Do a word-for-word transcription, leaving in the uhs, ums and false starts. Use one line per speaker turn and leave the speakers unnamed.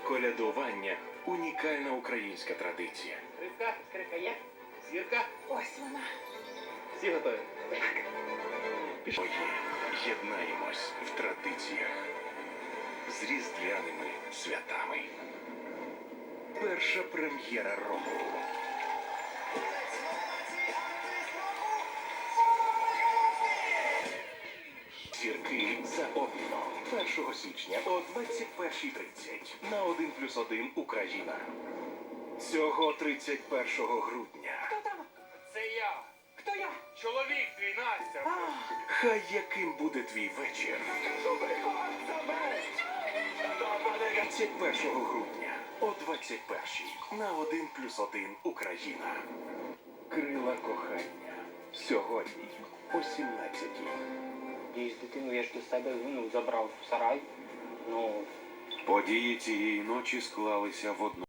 Колядування – унікальна українська традиція.
Рибка, крика є? Зірка?
Ось вона.
Всі готові?
Пішли. Єднаємось в традиціях з різдвяними святами. Перша прем'єра року. Зірки за обміном. першого січня о двадцять першій тридцять на один плюс один Україна. Цього тридцять першого грудня.
Хто там?
Це я.
Хто я?
Чоловік твій, Настя.
А,
Хай яким буде твій вечір. тридцять першого грудня о двадцять першій на один плюс один Україна. Крила кохання. Сьогодні о сімнадцятій.
І з дитиною я ж до себе ну, забрав в сарай. Ну,
Події цієї ночі склалися в одну.